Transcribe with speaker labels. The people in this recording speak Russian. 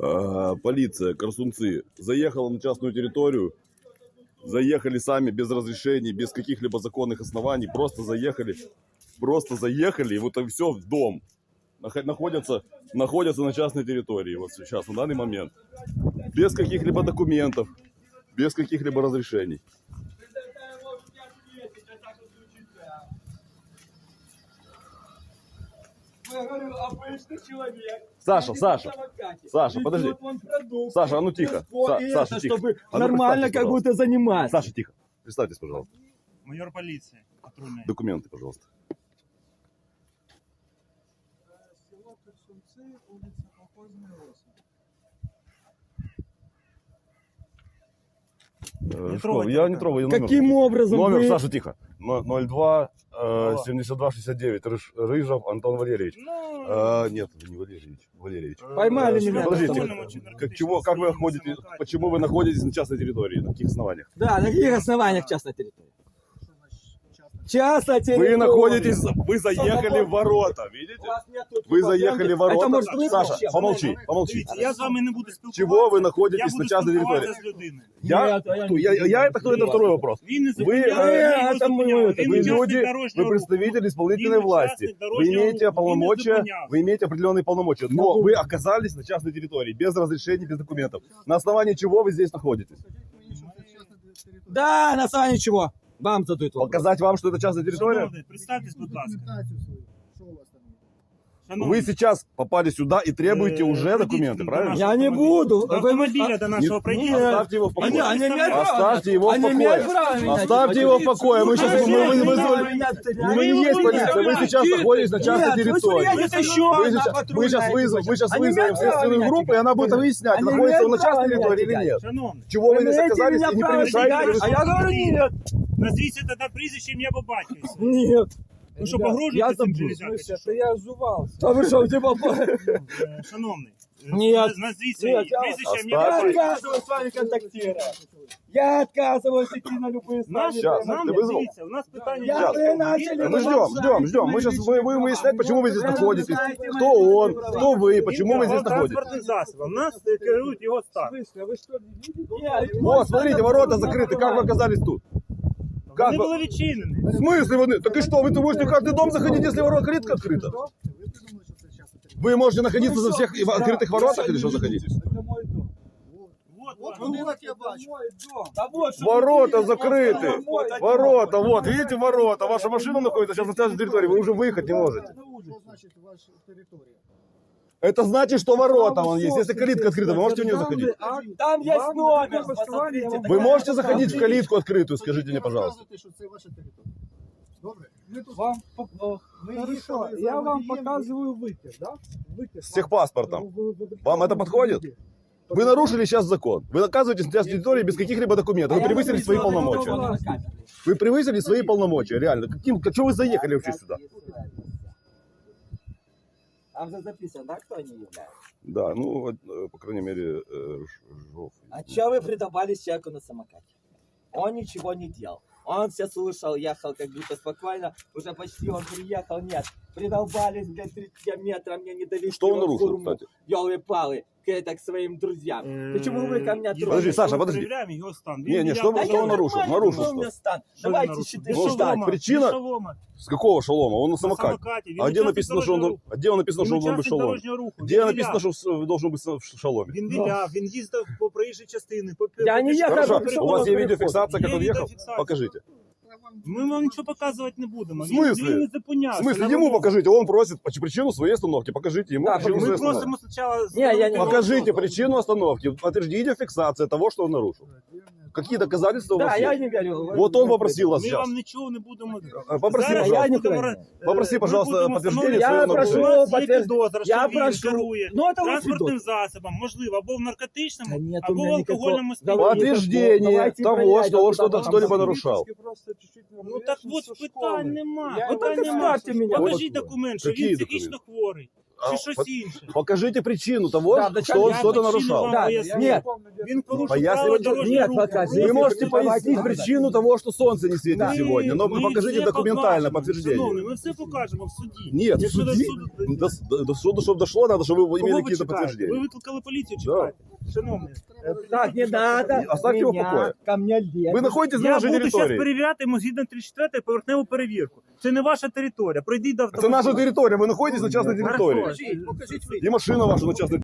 Speaker 1: полиция, Корсунцы, заехала на частную территорию, заехали сами без разрешений, без каких-либо законных оснований, просто заехали, и вот и все в дом. Находятся на частной территории вот сейчас, на данный момент. Без каких-либо документов, без каких-либо разрешений. Саша, подожди. Саша, а ну тихо. Саша, тихо.
Speaker 2: Чтобы нормально как будто заниматься.
Speaker 1: Саша, тихо. Представьтесь, пожалуйста.
Speaker 3: Майор полиции. Патрульная.
Speaker 1: Документы, пожалуйста.
Speaker 4: Село Корсунцы, улица Колхозная 8.
Speaker 1: Я не трогаю.
Speaker 2: Каким образом
Speaker 1: Номер,
Speaker 2: вы...
Speaker 1: Саша, тихо. 02 72 69 Рыжов Антон Валерьевич. Нет, это не Валерьевич.
Speaker 2: Поймали меня.
Speaker 1: Подождите, как вы ходите, почему вы находитесь на частной территории, на каких основаниях?
Speaker 2: Да, на каких основаниях частная территория? Частная территория.
Speaker 1: Вы находитесь, вы заехали в ворота, видите? Вы заехали в ворота.
Speaker 2: Это может быть
Speaker 1: Саша,
Speaker 2: вообще?
Speaker 1: помолчи.
Speaker 3: Дивіться, я з вами не буду спілкуватися.
Speaker 1: Чего вы находитесь
Speaker 3: я
Speaker 1: на частной территории?
Speaker 3: з людиною.
Speaker 1: Я это кто? Это второй вопрос.
Speaker 3: Він не
Speaker 1: Вы,
Speaker 3: зупиняє,
Speaker 2: это мы,
Speaker 1: Вы люди, вы представитель исполнительной власти. Вы имеете полномочия, вы имеете определенные полномочия. Но вы оказались на частной территории, без разрешений, без документов. На основании чего вы здесь находитесь?
Speaker 2: Да, на основании чего? Вам задают вопрос.
Speaker 1: Показать вам, что это частная территория?
Speaker 3: Шановний, представтесь, будь ласка.
Speaker 1: Вы сейчас попали сюда и требуете уже документы, правильно?
Speaker 2: Я не буду.
Speaker 3: До автомобиля до нашего проезда.
Speaker 1: Оставьте его в покое.
Speaker 2: Они имеют право.
Speaker 1: Оставьте его в
Speaker 2: Они имеют
Speaker 1: покое.
Speaker 2: право меня
Speaker 1: Оставьте его в покое. Мы сейчас
Speaker 2: Они имеют
Speaker 1: вызвали.
Speaker 2: право меня стрелять.
Speaker 1: Вы не есть полиция, вы сейчас находитесь на частной
Speaker 2: Нет,
Speaker 1: территории.
Speaker 2: вы это еще
Speaker 1: Мы сейчас
Speaker 2: Они
Speaker 1: вызовем
Speaker 2: имеют право
Speaker 1: следственную
Speaker 2: меня
Speaker 1: группу, и она будет выяснять,
Speaker 2: Они
Speaker 1: находится он на
Speaker 2: имеют право
Speaker 1: частной
Speaker 2: меня
Speaker 1: территории или
Speaker 2: кидать.
Speaker 1: нет.
Speaker 3: Шановний,
Speaker 1: Чего вы здесь
Speaker 2: имеете
Speaker 1: оказались
Speaker 2: меня
Speaker 1: и не
Speaker 2: право
Speaker 1: превышаете?
Speaker 2: кидать? А я говорю нет.
Speaker 3: назвіться тоді прізвище, ім'я по батькові.
Speaker 2: Нет.
Speaker 3: Ви що, погрожуєте
Speaker 2: Я
Speaker 3: цим
Speaker 2: забыл.
Speaker 3: железякам?
Speaker 4: Это я озувался.
Speaker 2: А вы что, типа...
Speaker 3: Шановний,
Speaker 2: Нет.
Speaker 3: назвіться
Speaker 2: Нет, я-
Speaker 3: прізвище, ім'я
Speaker 2: Я
Speaker 3: по батькові.
Speaker 2: отказываюсь с вами контактировать. Я отказываюсь идти на любые
Speaker 3: Нам,
Speaker 1: Сейчас,
Speaker 3: нам
Speaker 1: ты вызвал?
Speaker 3: дивіться, у нас питання.
Speaker 2: Я
Speaker 3: є.
Speaker 2: вы начали...
Speaker 1: Мы ждем. Мы сейчас будем выяснять, почему вы здесь находитесь. Кто он, кто вы, почему вы здесь находитесь.
Speaker 3: Транспортним засобом. Нас керують його стан.
Speaker 4: Вы что, не видите?
Speaker 1: Вот, смотрите, ворота закрыты. Как вы оказались тут? Как
Speaker 3: Вони
Speaker 1: вы...
Speaker 3: були відчинені.
Speaker 1: В смысле? Так и что, вы можете в каждый дом заходить, если ворота открыто? Вы можете находиться за всех открытых воротах или что заходить?
Speaker 4: Это мой дом.
Speaker 3: Вот.
Speaker 4: Вот я бачу. Мой дом. Да вот, что
Speaker 1: Ворота
Speaker 4: вы видите,
Speaker 1: закрыты.
Speaker 4: вот это
Speaker 1: Ворота, вот, видите, ворота. Ваша машина находится сейчас на частной территории, вы уже выехать не можете.
Speaker 4: Что значит ваша территория?
Speaker 1: Это значит, что ворота вон есть. Если калитка открыта, вы можете в нее заходить?
Speaker 2: Там есть номер, посмотрите.
Speaker 1: Вы можете заходить в калитку открытую, скажите мне, пожалуйста.
Speaker 4: Показуйте, що це ваша територія. Добре? Ми тут
Speaker 5: Вам
Speaker 4: ми
Speaker 5: хорошо,
Speaker 4: їхали за
Speaker 5: я вам
Speaker 4: водієм.
Speaker 5: показываю вытяг, да? Вытяг.
Speaker 1: С техпаспортом.
Speaker 5: Вы-
Speaker 1: Вам это подходит? Вы нарушили сейчас закон. Вы оказываетесь на частной территории без каких-либо документов. Вы превысили свои полномочия. Вы превысили свои полномочия, реально. Что вы заехали вообще сюда?
Speaker 2: Там же записано, да, кто они являются?
Speaker 1: Да, ну, по крайней мере, Жов.
Speaker 2: А чё вы придавались человеку на самокате? Он ничего не делал. Он все слушал, ехал как будто спокойно. Уже почти он приехал, нет. Придолбались, блядь, 3 километра, мне не довезли.
Speaker 1: Что он нарушил, кстати?
Speaker 2: Ёлы-палы, к своим друзьям. Почему вы ко мне
Speaker 3: Подожди,
Speaker 2: трогаете?
Speaker 1: Саша, подожди.
Speaker 3: Перевіряємо його стан.
Speaker 1: Не, что
Speaker 2: Да
Speaker 1: вы
Speaker 2: я
Speaker 1: он нарушил?
Speaker 2: нормально,
Speaker 1: Нарушил
Speaker 2: какой у меня
Speaker 1: что?
Speaker 2: стан?
Speaker 3: Що
Speaker 2: Давайте
Speaker 3: він
Speaker 2: считай,
Speaker 3: нарушив?
Speaker 1: Ну,
Speaker 2: считать.
Speaker 1: так, причина-
Speaker 3: Шолома.
Speaker 1: С какого шалома? Он на самокате.
Speaker 3: самокате. Він
Speaker 1: А где
Speaker 3: учасник
Speaker 1: написано, что он,
Speaker 3: дорожнього руху.
Speaker 1: а где написано, что он должен быть в
Speaker 3: учасник
Speaker 1: шаломе?
Speaker 3: дорожнього руху.
Speaker 1: Где
Speaker 3: Він
Speaker 1: написано,
Speaker 3: виляв.
Speaker 1: что должен быть в шаломе?
Speaker 3: Він виляв, він їздив по проїжджій частині.
Speaker 2: Я не їхав,
Speaker 1: Хорошо,
Speaker 2: пришел
Speaker 1: у вас
Speaker 2: на
Speaker 1: есть
Speaker 2: переход.
Speaker 1: видеофиксация, как
Speaker 3: Є
Speaker 1: он ехал?
Speaker 3: відеофіксація.
Speaker 1: Покажите.
Speaker 3: Ми вам нічого показувати не будемо.
Speaker 1: В смислі?
Speaker 3: Він не
Speaker 1: В
Speaker 3: зупинявся.
Speaker 1: смысле, ему покажите, он просит причину своей остановки, покажите ему
Speaker 2: Да,
Speaker 1: причину
Speaker 3: Ми
Speaker 1: своей остановки.
Speaker 3: просимо спочатку...
Speaker 2: Не, я не-
Speaker 1: Покажите причину остановки, подтвердите видеофиксация того, что он нарушил. Какие доказательства у
Speaker 2: Да,
Speaker 1: вас
Speaker 2: я
Speaker 1: есть?
Speaker 2: не верю.
Speaker 1: Вот он попросил вас
Speaker 3: Ми
Speaker 1: сейчас.
Speaker 3: вам нічого не будемо...
Speaker 1: Попроси,
Speaker 3: Зараз
Speaker 1: пожалуйста.
Speaker 3: я не будемо-
Speaker 1: Попроси,
Speaker 3: Ми
Speaker 1: пожалуйста,
Speaker 3: будемо
Speaker 1: подтверждение
Speaker 3: встановлювати,
Speaker 2: своего
Speaker 3: що у
Speaker 2: нарушения.
Speaker 3: нас є
Speaker 2: Я
Speaker 3: підозра, що
Speaker 2: я
Speaker 3: він
Speaker 2: прошу.
Speaker 3: керує
Speaker 2: Ну, это вы
Speaker 3: транспортним засобом, можливо, або в наркотичному,
Speaker 2: Да нет у
Speaker 3: або в
Speaker 2: меня никакого-
Speaker 3: алкогольному
Speaker 2: Давай,
Speaker 3: сп'янінні.
Speaker 1: Подтверждение
Speaker 2: Давайте
Speaker 1: того,
Speaker 2: проверять,
Speaker 1: что он
Speaker 2: куда
Speaker 1: что-то
Speaker 2: там
Speaker 1: что-либо
Speaker 2: там
Speaker 1: нарушал.
Speaker 4: Просто чуть-чуть
Speaker 3: Ну так от питань нема.
Speaker 4: Я-
Speaker 3: Питань
Speaker 2: Ну, так
Speaker 3: нема.
Speaker 2: оставьте меня.
Speaker 3: Покажіть
Speaker 1: Вот.
Speaker 3: документ, що
Speaker 1: Какие
Speaker 3: він психічно
Speaker 1: документы?
Speaker 3: хворий. чи щось інше.
Speaker 1: Покажите причину того,
Speaker 2: Да, да,
Speaker 1: что он
Speaker 3: я
Speaker 1: что-то
Speaker 3: причину
Speaker 1: нарушал.
Speaker 3: вам
Speaker 2: Да,
Speaker 3: поясню.
Speaker 2: нет.
Speaker 3: Він порушив
Speaker 1: Пояснювати-
Speaker 3: право дорожнього
Speaker 2: Нет,
Speaker 3: руху.
Speaker 2: покажи.
Speaker 1: Вы можете
Speaker 2: Давайте,
Speaker 1: пояснить
Speaker 2: давайте.
Speaker 1: причину того, что солнце не светит
Speaker 3: Ми-
Speaker 1: сегодня, но
Speaker 3: ми
Speaker 1: покажите
Speaker 3: все
Speaker 1: документально
Speaker 3: покажемо.
Speaker 1: подтверждение.
Speaker 3: Шановний, ми все покажемо в суді.
Speaker 1: Нет, в
Speaker 3: Якщо до
Speaker 1: суде,
Speaker 3: суду-
Speaker 1: до суда, чтобы дошло, надо, чтобы вы
Speaker 3: Кого
Speaker 1: имели
Speaker 3: ви
Speaker 1: какие-то
Speaker 3: чекаєте? Ви
Speaker 1: подтверждения.
Speaker 3: викликали поліцію,
Speaker 1: Да.
Speaker 3: чекайте. Шановний,
Speaker 2: Так, не надо.
Speaker 1: Оставьте его в
Speaker 2: меня
Speaker 1: покое.
Speaker 2: Ко мне лезет.
Speaker 1: Вы находитесь на
Speaker 3: я
Speaker 1: нашей
Speaker 3: буду зараз
Speaker 1: территории.
Speaker 3: перевіряти йому згідно 34 поверхневу перевірку. Це не ваша територія. Пройдіть до
Speaker 1: Это
Speaker 3: автомобіля.
Speaker 1: наша территория, вы находитесь на частной территории.
Speaker 3: Хорошо.
Speaker 4: Покажіть ви.
Speaker 1: И машина ваша на частной